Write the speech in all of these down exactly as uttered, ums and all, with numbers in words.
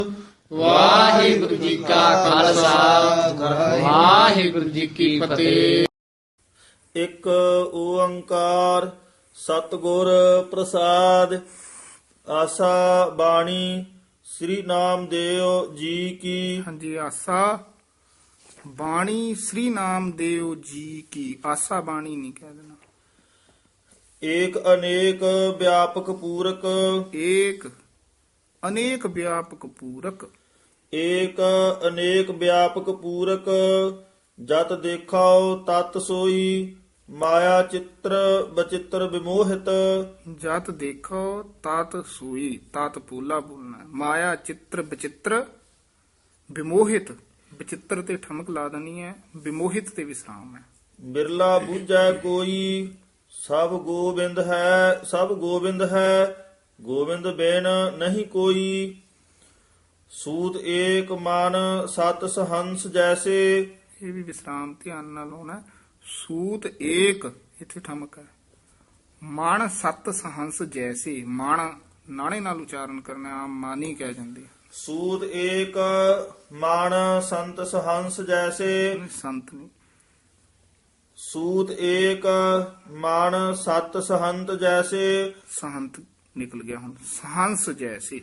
ਵਾਹਿਗੁਰੂ ਜੀ ਕਾ ਖਾਲਸਾ ਵਾਹਿਗੁਰੂ ਜੀ ਕੀ ਫਤਿਹ। ਇੱਕ ਓੰਕਾਰ ਸਤਿਗੁਰ ਪ੍ਰਸਾਦ। ਆਸਾ ਬਾਣੀ ਸ੍ਰੀ ਨਾਮਦੇਵ ਜੀ ਕੀ। ਹਾਂਜੀ, ਆਸਾ ਬਾਣੀ ਸ੍ਰੀ ਨਾਮਦੇਵ ਜੀ ਕੀ। ਆਸਾ ਬਾਣੀ ਨਹੀਂ ਕਹਿ ਦੇਣਾ। ਏਕ ਅਨੇਕ ਵਿਆਪਕ ਪੂਰਕ। ਏਕ ਅਨੇਕ ਵਿਆਪਕ ਪੂਰਕ। ਏਕ ਅਨੇਕ ਵਿਆਪਕ ਪੂਰਕ। ਜਤ ਦੇਖਾਓ ਤਤ ਸੋਈ। ਮਾਇਆ ਚਿੱਤਰ ਬਚਿੱਤਰ ਵਿਮੋਹਿਤ। ਜਤ ਦੇਖੋ ਤਤ ਸੋਈ। ਤਤ ਪੂਲਾ ਬੋਲਣਾ। ਮਾਇਆ ਚਿੱਤਰ ਬਚਿੱਤਰ ਵਿਮੋਹਿਤ। ਬਚਿੱਤਰ ਤੇ ਠਮਕ ਲਾ ਦੇਣੀ ਹੈ, ਵਿਮੋਹਿਤ ਤੇ ਵਿਸਰਾਮ ਹੈ। ਬਿਰਲਾ ਬੂਝੈ ਕੋਈ। ਸਭ ਗੋਬਿੰਦ ਹੈ ਸਭ ਗੋਬਿੰਦ ਹੈ। ਗੋਬਿੰਦ ਬਿਨ ਨਹੀਂ ਕੋਈ। ਸੂਤ ਏਕ ਮਨ ਸਤ ਸਹੰਸ ਜੈਸੇ। ਇਹ ਵੀ ਵਿਸਰਾਮ ਧਿਆਨ ਨਾਲ ਹੋਣਾ। ਸੂਤ ਏਕ ਇੱਥੇ ਠਮਕ ਹੈ। ਮਨ ਸਤ ਸਹੰਸ ਜੈਸੇ। ਮਨ ਨਾਣੇ ਨਾਲ ਉਚਾਰਨ ਕਰਨਾ, ਆਮ ਮਾਨੀ ਕਹਿ ਜਾਂਦੇ। ਸੂਤ ਏਕ ਮਨ ਸੰਤ ਸਹੰਸ ਜੈਸੇ। ਸੰਤ ਨਹੀਂ। ਸੂਤ ਏਕ ਮਨ ਸਤ ਸਹੰਤ ਜੈਸੇ। ਸਹੰਤ ਨਿਕਲ ਗਿਆ ਹੁਣ। ਸਹੰਸ ਜੈਸੇ।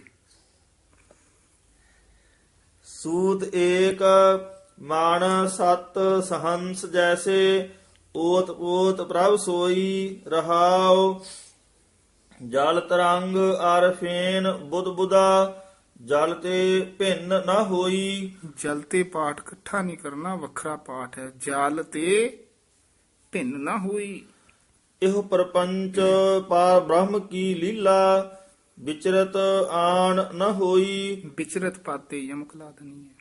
ਸੂਤ ਏਕ ਮਨ ਸਤ ਸਹੰਸ ਜੈਸੇ। ਓਤ ਓਤ ਪ੍ਰਭ ਸੋਈ ਰਹਾਉ। ਜਲ ਤਰੰਗ ਅਰ ਫੇਨ ਬੁੱਧ ਬੁਦਾ। ਜਲ ਤੇ ਭਿੰਨ ਨਾ ਹੋਈ। ਜਲ ਤੇ ਪਾਠ ਇਕੱਠਾ ਨਹੀਂ ਕਰਨਾ, ਵੱਖਰਾ ਪਾਠ ਹੈ। ਜਲ ਤੇ ਭਿੰਨ ਨਾ ਹੋਈ। ਇਹੋ ਪਰਪੰਚ ਪਾਰ ਬ੍ਰਹਮ ਕੀ ਲੀਲਾ। ਵਿਚਰਤ ਆਣ ਨ ਹੋਈ। ਵਿਚਰਤ ਪਾਤੇ ਯਮਕ ਲਾ ਦੇਣੀ ਹੈ।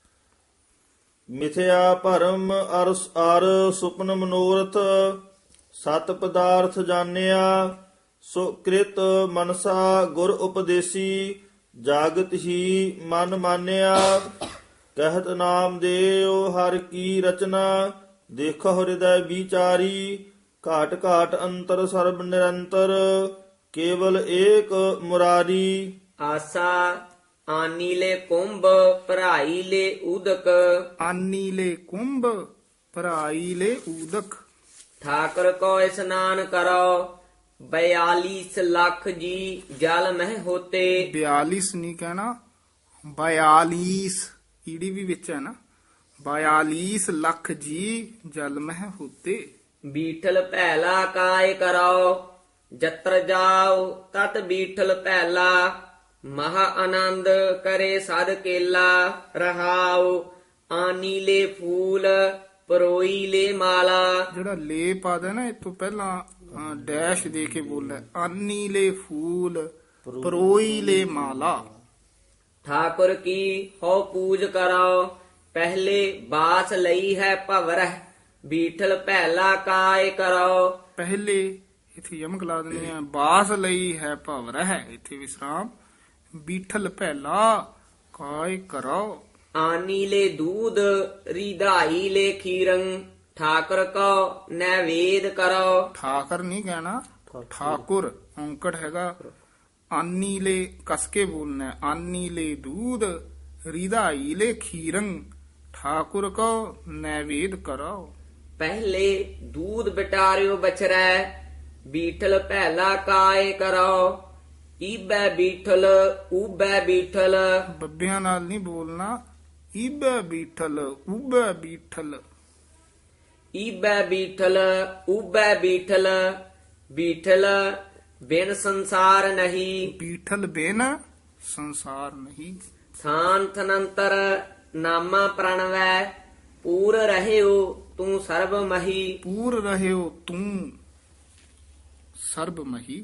ਮਿਥਿਆ ਭਰਮ ਅਰ ਅਰ ਸੁਪਨ ਮਨੋਰਥ। ਸਤ ਪਦਾਰਥ ਜਾਣਿਆ। ਸੋ ਕ੍ਰਿਤ ਮਨਸਾ ਗੁਰ ਉਪਦੇਸੀ। ਜਾਗਤ ਹੀ ਮਨ ਮਾਨਿਆ। ਕਹਿਤ ਨਾਮਦੇਵ ਹਰ ਕੀ ਰਚਨਾ। ਦੇਖੋ ਹਿਰਦੈ ਵਿਚਾਰੀ। ਘਾਟ ਘਾਟ ਅੰਤਰ ਸਰਬ ਨਿਰੰਤਰ। ਕੇਵਲ ਏਕ ਮੁਰਾਰੀ। ਆਸਾ ਆਨੀਲੇ ਕੁੰਭ ਭਰਾਈ ਲੈ ਉਦਕ। ਆਨੀ ਲੈ ਕੁੰਭ ਭਰਾਈ ਲੈ ਊਦਕ। ਠਾਕਰ ਕੋ ਇਸਨਾਨ ਕਰੋ। ਬਿਆਲੀਸ ਲੱਖ ਜੀ ਜਲ ਮਹਿ ਹੋਤੇ। ਬਿਆਲੀਸ ਨਹੀਂ ਕਹਿਣਾ, ਬਿਆਲੀਸ ਈੜੀ ਵੀ ਵਿੱਚ ਹੈ ਨਾ। ਬਿਆਲੀਸ ਲੱਖ ਜੀ ਜਲ ਮਹਿ ਹੋਤੇ। ਬੀਠਲ ਪਹਿਲਾ ਕਾਇ ਕਰੋ। ਜਤਰ ਜਾਓ ਤਤ ਬੀਠਲ ਪਹਿਲਾ। ਮਹਾ ਆਨੰਦ ਕਰੇ ਸਦ ਕੇਲਾ। ਰਹਾਉ ਆਨੀ ਲੈ ਫੂਲ ਪਰੋਈ ਲੈ ਮਾਲਾ। ਜਿਹੜਾ ਲੇ ਪਾਦਾ ਨਾ, ਇਹ ਤੋਂ ਪਹਿਲਾਂ ਅ, ਡੈਸ਼ ਦੇ ਕੇ ਬੋਲਦਾ। ਆਨੀ ਲੈ ਫੂਲ ਪਰੋਈ ਲੈ ਮਾਲਾ। ਠਾਕੁਰ ਕੀ ਹੋ ਪੂਜ ਕਰੋ। ਪਹਿਲੇ ਬਾਸ ਲਈ ਹੈ ਭਵਰਹ। ਬੀਠਲ ਪਹਿਲਾ ਕਾਇ ਕਰੋ। ਪਹਿਲੇ ਇੱਥੇ ਯਮਕ ਲਾ ਦਿੰਦੇ ਆ। ਬਾਸ ਲਈ ਹੈ ਭਵ ਰਹਿ। ਇੱਥੇ ਵਿਸਰਾਮ। ਬੀਠਲ ਪਹਿਲਾ ਕਾਇ ਕਰੋ। ਆਨੀ ਲੈ ਦੂਧ ਰਿਧਾਈ ਲੈ ਖੀਰੰ। ਠਾਕੁਰ ਕੋ ਨੈਵੇਦ ਕਰੋ। ਠਾਕਰ ਨਹੀਂ ਕਹਿਣਾ, ਠਾਕੁਰ ਔਂਕੜ ਹੈਗਾ। ਆਨੀ ਲੈ ਕਸ ਕੇ ਬੋਲਣਾ। ਆਨੀ ਲੈ ਦੂਧ ਰਿਧਾਈ ਲੈ ਖੀਰੰ। ਠਾਕੁਰ ਕੋ ਨੈਵੇਦ ਕਰੋ। ਪਹਿਲੇ ਦੂਧ ਬਟਾਰਿਓ ਬਛਰੈ। ਬੀਠਲ ਪਹਿਲਾ ਕਾਇ ਕਰੋ। ਈਬੈ ਬੀਠਲ ਊਬੈ ਬੀਠਲ। ਬੱਬਿਆਂ ਨਾਲ ਨਹੀਂ ਬੋਲਣਾ। ਈਬੈ ਬੀਠਲ ਊਬੈ ਬੀਠਲ। ਈਬੈ ਬੀਠਲ ਊਬੈ ਬੀਠਲ। ਬੀਠਲ ਬਿਨ ਸੰਸਾਰ ਨਹੀਂ। ਬੀਠਲ ਬਿਨ ਸੰਸਾਰ ਨਹੀਂ। ਥਾਨ ਅਨੰਤਰ ਨਾਮਾ ਪ੍ਰਣਵੈ। ਪੂਰ ਰਹਿਓ ਤੂੰ ਸਰਬ ਮਹੀ। ਪੂਰ ਰਹਿਓ ਤੂੰ ਸਰਬ ਮਹੀ।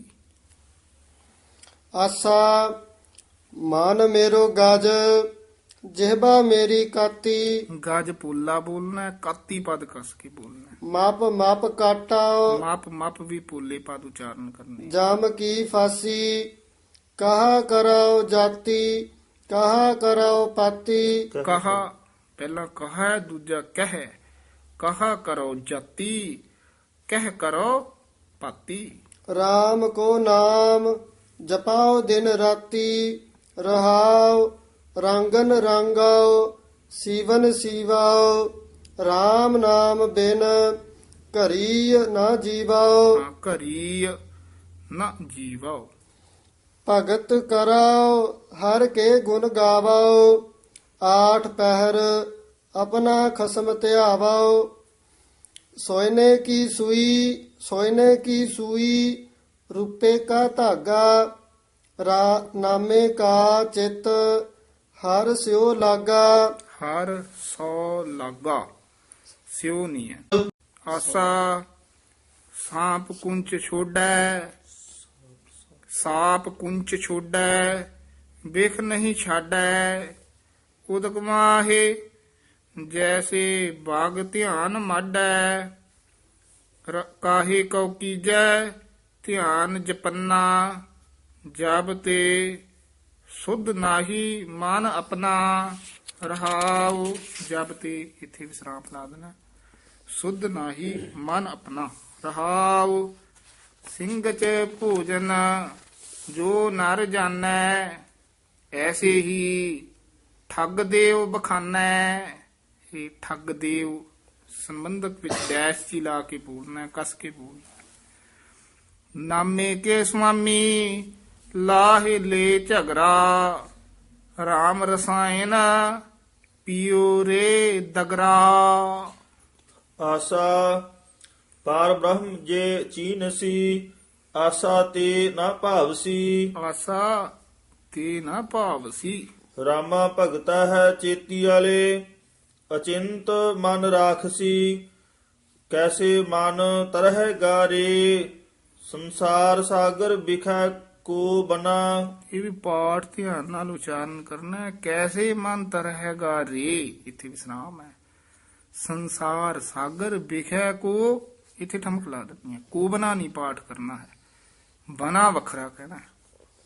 ਆਸਾ ਮਨ ਮੇਰੋ ਗਜ। ਜਿਹਬਾ ਮੇਰੀ ਕਾਤੀ। ਗਜ ਪੋਲਾ ਬੋਲਣਾ ਹੈ, ਕਾਤੀ ਪਦ ਕਸ ਕੇ ਬੋਲਣਾ ਹੈ। ਮਪ ਮਪ ਕਾਟਾ। ਮਪ ਮਪ ਵੀ ਪੋਲੇ ਪਦ ਉਚਾਰਨ ਕਰਨੇ। ਜਮ ਕੀ ਫਾਸੀ। ਕਹਾ ਕਰੋ ਜਾਤੀ। ਕਹਾ ਕਰੋ ਪਾਤੀ। ਕਹਾ ਪਹਿਲਾ ਕਹਾ ਹੈ, ਦੂਜਾ ਕਹਿ। ਕਹਾ ਕਰੋ ਜਾਤੀ। ਕਹਿ ਕਰੋ ਪਾਤੀ। RAM ਕੋ ਨਾਮ ਜਪਾਓ ਦਿਨ ਰਾਤੀ। ਰਹਾਉ ਰੰਗਨ ਰੰਗਾਓ ਸੀਵਨ ਸੀਵਾਓ RAM ਨਾਮ ਬਿਨ ਘਰੀ ਨਾ ਜੀਵਾਓ ਹਾਂ, ਘਰੀ ਨਾ ਜੀਵਾਓ। ਭਗਤ ਕਰਾਓ ਹਰ ਕੇ ਗੁਣ ਗਾਵਾਓ ਆਠ ਪਹਿਰ ਆਪਣਾ ਖਸਮ ਧਿਆਵਾਓ ਸੋਇਨੇ ਕੀ ਸੂਈ ਸੋਇਨੇ ਕੀ ਸੂਈ ਰੂਪੇ ਕਾ ਧਾਗਾ ਰਾ ਨਾਮੇ ਕਾ ਚਿਤ ਹਰ ਸਿਓ ਲਾਗਾ ਹਰ ਸੋ ਲਾਗਾ, ਸਿਉ ਨਹੀਂ ਹੈ। ਆਸਾ ਸਾਪ ਕੁੰਚ ਛੋੜੈ, ਸਾਪ ਕੁੰਚ ਛੋੜੈ ਵੇਖ ਨਹੀਂ ਛਾੜੈ। ਉਦਕ ਮਾਹੇ ਜੈਸੇ ਬਾਗ ਧਿਆਨ ਮਾਡੈ, ਰ- ਕਾਹੇ ਕਉ ਕੀਜੈ ਧਿਆਨ ਜਪੰਨਾ। ਜਬ ਤੇ ਸੁਧ ਨਾਹੀ ਮਨ ਆਪਣਾ ਰਹਾਉ। ਜਬ ਤੇ ਇੱਥੇ ਵਿਸਰਾਮ ਲਾ ਦੇਣਾ। ਸੁਧ ਨਾਹੀ ਮਨ ਆਪਣਾ ਰਹਾਉ। ਸਿੰਘ ਚ ਭੋਜਨ ਜੋ ਨਰ ਜਾਣੈ, ਐਸੇ ਹੀ ਠੱਗ ਦੇਵ ਬਖਾਨੈ। ਇਹ ਠੱਗ ਦੇਵ ਸੰਬੰਧਕ ਵਿੱਚ ਡੈਸ਼ ਜੀ ਲਾ ਕੇ ਬੋਲਣਾ ਹੈ, ਕਸ ਕੇ ਬੋਲਣਾ। ਨਾਮੇ ਕੇ ਸੁਆਮੀ ਲਾਹੇ ਲੈ ਝਗਰਾ, ਰਾਮ ਰਸਾਇਣ ਪੀਓ ਰੇ ਦਗਰਾ। ਆਸਾ ਪਾਰ ਬ੍ਰਹਮ ਜੇ ਚੀਨਸੀ, ਆਸਾ ਤੇ ਨਾ ਭਾਵਸੀ। ਆਸਾ ਤੇ ਨਾ ਭਾਵਸੀ। ਰਾਮਾ ਭਗਤਾ ਹੈ ਚੇਤੀ ਵਾਲੇ, ਅਚਿੰਤ ਮਨ ਰਾਖਸੀ। ਕੈਸੇ ਮਨ ਤਰਹਿ ਗਾਰੇ, ਸੰਸਾਰ ਸਾਗਰ ਬਿਖੈ ਕੋ ਬਨਾ। ਇਹ ਵੀ ਪਾਠ ਧਿਆਨ ਨਾਲ ਉਚਾਰਨ ਕਰਨਾ ਹੈ। ਕੈਸੇ ਮਨ ਤਰਹਿਗਾ ਰੇ, ਇੱਥੇ ਵਿਸਰਾਮ ਹੈ। ਸੰਸਾਰ ਸਾਗਰ ਵਿਖੈ ਕੋ, ਇੱਥੇ ਠਮਕ ਲਾ ਦੇਣੀ ਹੈ। ਕੋ ਬਨਾ ਨਹੀਂ ਪਾਠ ਕਰਨਾ ਹੈ, ਬਨਾ ਵੱਖਰਾ ਕਹਿਣਾ ਹੈ।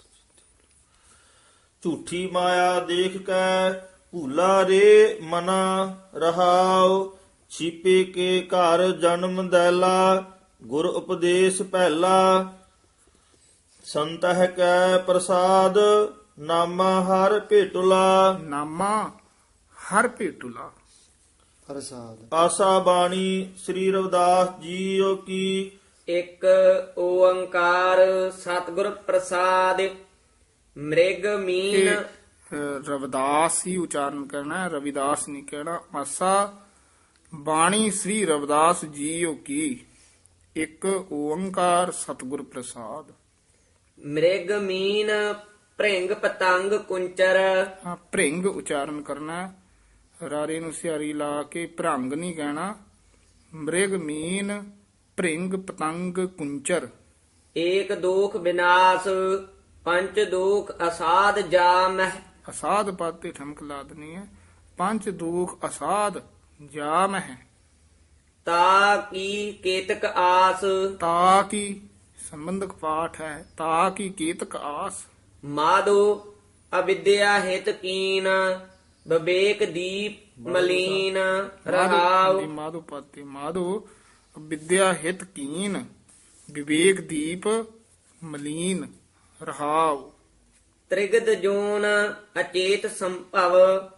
ਝੂਠੀ ਮਾਇਆ ਦੇਖ ਕੈ ਭੂਲਾ ਰੇ ਮਨਾ ਰਹਾਉ। ਛੀਪੇ ਕੇ ਘਰ ਜਨਮ ਦੈਲਾ, ਗੁਰ ਉਪਦੇਸ਼ ਪਹਿਲਾ। ਸੰਤਹਿ ਕੈ ਪ੍ਰਸਾਦ, ਨਾਮਾ ਹਰ ਭੇਟੁਲਾ। ਨਾਮਾ ਹਰ ਭੇਟੁਲਾ। ਪ੍ਰਸਾਦ ਆਸਾ ਬਾਣੀ ਸ੍ਰੀ ਰਵਿਦਾਸ ਜੀਓ ਕੀ। ਇੱਕ ਓੰਕਾਰ ਸਤਿਗੁਰ ਪ੍ਰਸਾਦ। ਮ੍ਰਿਗ ਮੀਨ ਇਹ ਅ, ਰਵਿਦਾਸ ਹੀ ਉਚਾਰਨ ਕਰਨਾ ਹੈ, ਰਵਿਦਾਸ ਨਹੀਂ ਕਹਿਣਾ। ਆਸਾ ਬਾਣੀ ਸ੍ਰੀ ਰਵਿਦਾਸ ਜੀਓ ਕੀ। ਇੱਕ ਓੰਕਾਰ ਸਤਿਗੁਰ ਪ੍ਰਸਾਦ। ਮ੍ਰਿਗ ਮੀਨ ਭ੍ਰਿੰਗ ਪਤੰਗ ਕੁੰਚਰ। ਹਾਂ, ਭ੍ਰਿੰਗ ਉਚਾਰਨ ਕਰਨਾ ਹੈ। ਰਾਰੇ ਨੂੰ ਸਿਆਰੀ ਲਾ ਕੇ ਭ੍ਰੰਗ ਨਹੀਂ ਕਹਿਣਾ। ਮ੍ਰਿਗ ਮੀਨ ਭ੍ਰਿੰਗ ਪਤੰਗ ਕੁੰਚਰ। ਏਕ ਦੋਖ ਵਿਨਾਸ਼ ਪੰਚ ਦੋਖ ਅਸਾਧ ਜਾਮਹਿ। ਅਸਾਧ ਪਦ ਤੇ ਠਮਕ ਲਾ ਦੇਣੀ ਹੈ। ਪੰਜ ਦੁਖ ਅਸਾਧ ਜਾਮ ਹੈ। ਤਾ ਕੀ ਕੇਤਕ ਆਸ। ਤਾ ਕੀ ਸੰਬੰਧਕ ਪਾਠ ਹੈ। ਤਾ ਕੀ ਕੀਤਕ ਆਸ। ਮਾਧੋ ਅਵਿਦਿਆ ਹਿਤ ਕੀਨ ਵਿਵੇਕ ਦੀਪ ਮਲੀਨ ਰਹਾਉ। ਮਾਧੋ ਪਦ ਤੇ ਮਾਧੋ ਵਿਦਿਆ ਹਿਤ ਕੀਨ ਵਿਵੇਕ ਦੀਪ ਮਲੀਨ ਰਹਾਉ। ਤ੍ਰਿਗਦ ਜੋਨ ਅਚੇਤ ਸੰਭਵ।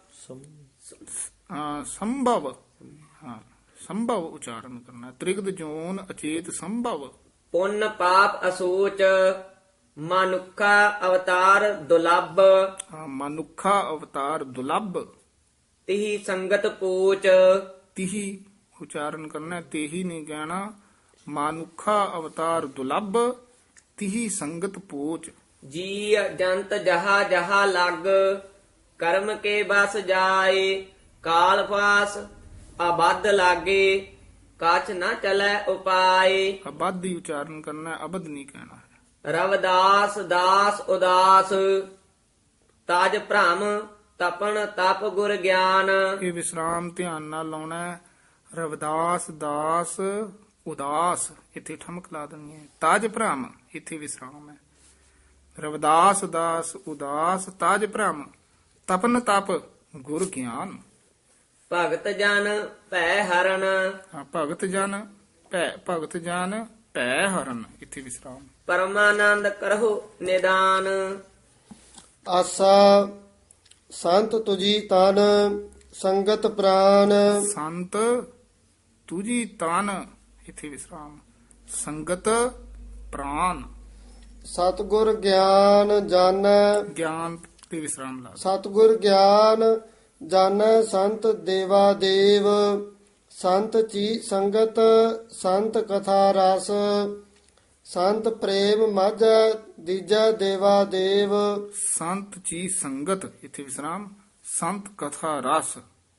ਹਾਂ, ਸੰਭਵ। ਹਾਂ, ਸੰਭਵ ਉਚਾਰਨ ਕਰਨਾ। ਤ੍ਰਿਗਦ ਜੋਨ ਅਚੇਤ ਸੰਭਵ। ਪੁੰਨ ਪਾਪ ਅਸੋਚ ਮਨੁੱਖਾ ਅਵਤਾਰ ਦੁਲੱਭ। ਹਾਂ, ਮਨੁੱਖਾ ਅਵਤਾਰ ਦੁਲੱਭ। ਤਿਹੀ ਸੰਗਤ ਪੋਚ। ਤਿਹੀ ਉਚਾਰਨ ਕਰਨਾ। ਤੇਹੀ ਨਹੀਂ ਕਹਿਣਾ। ਮਨੁੱਖਾ ਅਵਤਾਰ ਦੁਲੱਭ ਤਿਹੀ ਸੰਗਤ ਪੋਚ। ਜੀ ਜੰਤ ਜਹਾ ਜਹਾ ਲੱਗ ਕਰਮ ਕੇ ਬਸ ਜਾਏ। ਕਾਲ ਫਾਸ ਅਬਦ ਲਾਗੇ ਕਾਛ ਨਾ ਚਲੈ ਉਪਾਏ। ਅਬਦ ਹੀ ਉਚਾਰਨ ਕਰਨਾ, ਅਬਦ ਨਹੀਂ ਕਹਿਣਾ ਹੈ। ਰਵਦਾਸ ਦਾਸ ਉਦਾਸ ਤਾਜ ਭ੍ਰਮ ਤਪਨ ਤਪ ਗੁਰ ਗਿਆਨ। ਇਹ ਵਿਸਰਾਮ ਧਿਆਨ ਨਾਲ ਲਾਉਣਾ ਹੈ। ਰਵਿਦਾਸ ਦਾਸ ਉਦਾਸ, ਇੱਥੇ ਠਮਕ ਲਾ ਦੇਣੀ ਹੈ। ਤਾਜ ਭ੍ਰਮ, ਇੱਥੇ ਵਿਸਰਾਮ ਹੈ। ਰਵਿਦਾਸ ਦਾਸ ਉਦਾਸ ਤਾਜ ਭ੍ਰਮ ਤਪਨ ਤਪ ਗੁਰ ਗਿਆਨ। ਭਗਤ ਜਨ ਭੈ ਹਰਨ। ਹਾਂ, ਭਗਤ ਜਨ ਭੈ ਭਗਤ ਜਨ ਭੈ ਹਰਨ, ਇੱਥੇ ਵਿਸਰਾਮ। ਪਰਮਾਨੰਦ ਕਰਹੁ ਨਿਦਾਨ। ਆਸਾ ਸੰਤ ਤੁਜੀ ਤਨ ਸੰਗਤ ਪ੍ਰਾਨ ਸੰਤ ਤੁਜੀ ਤਨ, ਇਥੇ ਵਿਸਰਾਮ, ਸੰਗਤ ਪ੍ਰਾਨ, ਸਤਿਗੁਰ ਗਿਆਨ ਜਾਣੈ ਗਿਆਨ ਤੇ ਵਿਸਰਾਮ ਲਾ। ਸਤਿਗੁਰ ਗਿਆਨ ਜਾਣੈ ਸੰਤ ਦੇਵਾ ਦੇਵ ਸੰਤ ਚੀ ਸੰਗਤ ਸੰਤ ਕਥਾ ਰਸ ਸੰਤ ਪ੍ਰੇਮ ਮਾਝੈ ਦੀਜੈ ਦੇਵਾ ਦੇਵ ਸੰਤ ਜੀ ਸੰਗਤ, ਇਥੇ ਵਿਸਰਾਮ, ਸੰਤ ਕਥਾ ਰਸ,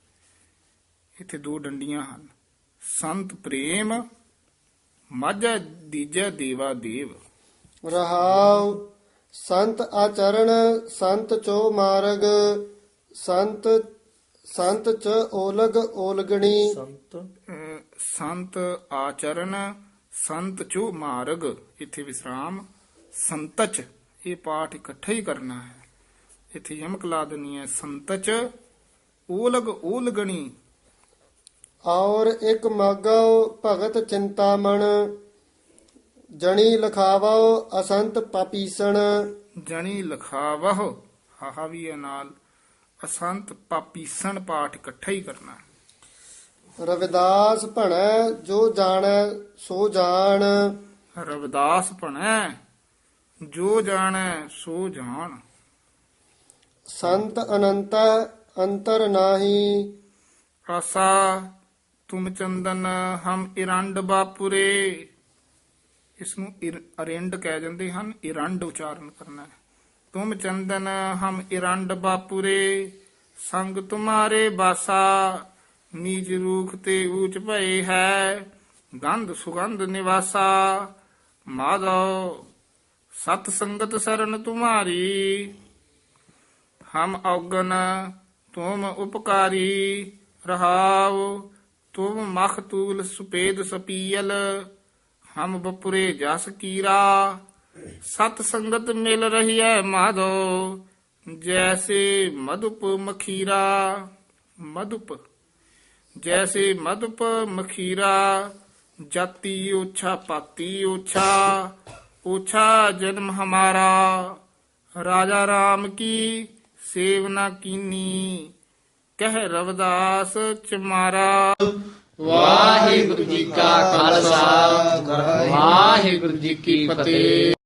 ਇਥੇ ਦੋ ਡੰਡੀਆਂ ਹਨ। ਸੰਤ ਪ੍ਰੇਮ ਮਾਝੈ ਦੀਜੈ ਦੇਵਾ ਦੇਵ। ਰਹਾਉ ਸੰਤ ਆਚਰਣ ਸੰਤ ਚੋ ਮਾਰਗ ਸੰਤ ਸੰਤ ਚ ਓਲਗ ਓਲਗਣੀ ਸੰਤ ਅਹ ਸੰਤ ਆਚਰਨ ਸੰਤ ਚੋ ਮਾਰਗ, ਇਥੇ ਵਿਸਰਾਮ, ਸੰਤਚ, ਇਹ ਪਾਠ ਇਕੱਠਾ ਹੀ ਕਰਨਾ ਹੈ, ਇਥੇ ਯਮਕ ਲਾ ਦੇਣੀ ਹੈ। ਸੰਤਚ ਓਲਗ ਓਲਗਣੀ, ਔਰ ਇੱਕ ਮਾਗੋ ਭਗਤ ਚਿੰਤਾਮਣ ਜਣੀ ਲਖਾਵੋ ਅਸੰਤ ਪਾਪੀਸਣ ਜਣੀ ਲਖਾਵਹ, ਹਾਹਾ ਵੀ ਹੈ ਨਾਲ, ਅਸੰਤ ਪਾਪੀਸਣ, ਪਾਠ ਇਕੱਠਾ ਹੀ ਕਰਨਾ ਹੈ। ਰਵਿਦਾਸ ਭਣੈ ਜੋ ਜਾਣੈ ਸੋ ਜਾਣ ਰਵਿਦਾਸ ਭਣੈ ਜੋ ਜਾਣੈ ਸੋ ਜਾਣ। ਸੰਤ ਅਨੰਤ ਅੰਤਰ ਨਾਹੀ ਆਸਾ ਤੁਮ ਚੰਦਨ ਹਮ ਇਰੰਡ ਬਾਪੁਰੇ, ਇਸ ਨੂੰ ਇਰ- ਅਰਿੰਡ ਕਹਿ ਜਾਂਦੇ ਹਨ, ਇਰੰਡ ਉਚਾਰਨ ਕਰਨਾ ਹੈ। ਤੁਮ ਚੰਦਨ ਹਮ ਇਰੰਡ ਬਾਪੁਰੇ ਸੰਗ ਤੁਮਾਰੇ ਬਾਸਾ ਨੀਚ ਰੂਖ ਤੇ ਊਚ ਭਏ ਹੈ ਗੰਧ ਸੁਗੰਧ ਨਿਵਾਸਾ ਮਾਧੋ ਸਤ ਸੰਗਤ ਸਰਨ ਤੁਮਾਰੀ ਹਮ ਔਗਨ ਤੁਮ ਉਪਕਾਰੀ ਰਹਾਉ ਤੁਮ ਮਖਤੂਲ ਸੁਪੇਦ ਸਪੀਲ ਹਮ ਬਪੁਰੇ ਜਸ ਕੀਰਾ ਸਤ ਸੰਗਤ ਮਿਲ ਰਹੀ ਹੈ ਮਾਧੋ ਜੈਸੇ ਮਧੁਪ ਮਖੀਰਾ ਮਧੁਪ ਜੈਸੇ ਮਧੁਪ ਮਖੀਰਾ ਜਾਤੀ ਓਛਾ ਪਾਤੀ ਓਛਾ ਓਛਾ ਜਨਮ ਹਮਾਰਾ ਰਾਜਾ ਰਾਮ ਕੀ ਸੇਵਨਾ ਕੀਨੀ ਕਹਿ ਰਵਿਦਾਸ ਚਮਾਰਾ। ਵਾਹਿਗੁਰੂ ਜੀ ਕਾ ਖਾਲਸਾ ਵਾਹਿਗੁਰੂ ਜੀ ਕੀ ਫਤਿਹ।